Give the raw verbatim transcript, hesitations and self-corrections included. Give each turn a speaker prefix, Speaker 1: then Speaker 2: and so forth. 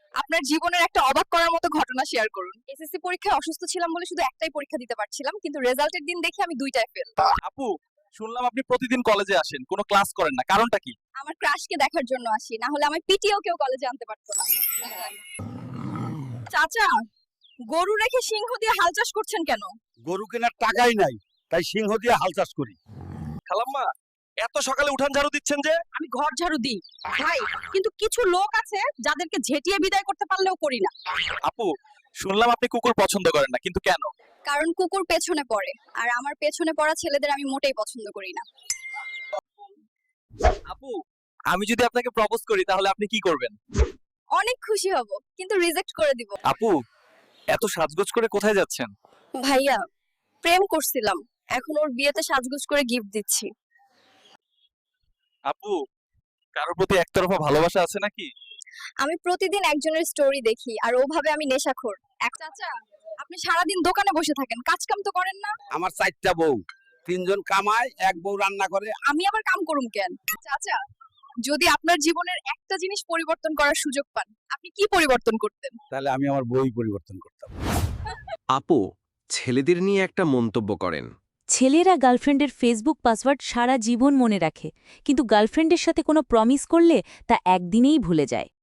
Speaker 1: আপনার জীবনের একটা অবাক করার মতো ঘটনা শেয়ার করুন। এসএসসি পরীক্ষায় অসুস্থ ছিলাম বলে শুধু একটাই পরীক্ষা দিতে পারছিলাম, কিন্তু রেজাল্টের দিন দেখি আমি দুইটায় ফেল।
Speaker 2: আপু, শুনলাম আপনি প্রতিদিন কলেজে আসেন, কোনো ক্লাস করেন না, কারণটা কি?
Speaker 1: আমার ক্রাশকে দেখার জন্য আসি, না হলে আমার পিটিও কেউ কলেজে আনতে পারতো না। চাচা, গরু রেখে সিংহ দিয়ে হাল চাষ করছেন কেন?
Speaker 3: গরু কেনার টাকাই নাই, তাই সিংহ দিয়ে হাল চাষ করি।
Speaker 2: খালাম্মা, এত সকালে উঠান ঝাড়ু দিচ্ছেন যে?
Speaker 1: আমি ঘর ঝাড়ু দিই ভাই, কিন্তু কিছু লোক আছে যাদেরকে ঝেঁটিয়ে বিদায় করতে পারলেও করি না।
Speaker 2: আপু, শুনলাম আপনি কুকুর পছন্দ করেন না, কিন্তু কেন?
Speaker 1: কারণ কুকুর পেছনে পড়ে, আর আমার পেছনে পড়া ছেলেদের আমি মোটেই পছন্দ করি না।
Speaker 2: আপু, আমি যদি আপনাকে প্রপোজ করি তাহলে আপনি কি করবেন?
Speaker 1: অনেক খুশি হব, কিন্তু রিজেক্ট করে দিব।
Speaker 2: আপু, এত সাজগোজ করে কোথায় যাচ্ছেন?
Speaker 1: ভাইয়া, প্রেম করছিলাম, এখন ওর বিয়েতে সাজগোজ করে গিফট দিচ্ছি।
Speaker 2: আপু, কারোর প্রতি একতরফা ভালোবাসা আছে নাকি?
Speaker 1: আমি প্রতিদিন একজনের স্টোরি দেখি, আর ওভাবে আমি নেশাখোর। এক চাচা, আপনি সারাদিন দোকানে বসে থাকেন, কাজ কাম তো করেন না?
Speaker 3: আমার চারটা বউ, তিনজন কামায়, এক বউ রান্না করে।
Speaker 1: আমি আবার কাম করুম কেন? চাচা, যদি আপনার জীবনের একটা জিনিস পরিবর্তন করার সুযোগ পান, আপনি কি পরিবর্তন করতেন?
Speaker 3: তাহলে আমি আমার বই পরিবর্তন করতাম।
Speaker 4: আপু, ছেলেদের নিয়ে একটা মন্তব্য করেন।
Speaker 5: ছেলেরা গার্লফ্রেন্ডের ফেসবুক পাসওয়ার্ড সারা জীবন মনে রাখে, কিন্তু গার্লফ্রেন্ডের সাথে কোনো প্রমিস করলে তা একদিনেই ভুলে যায়।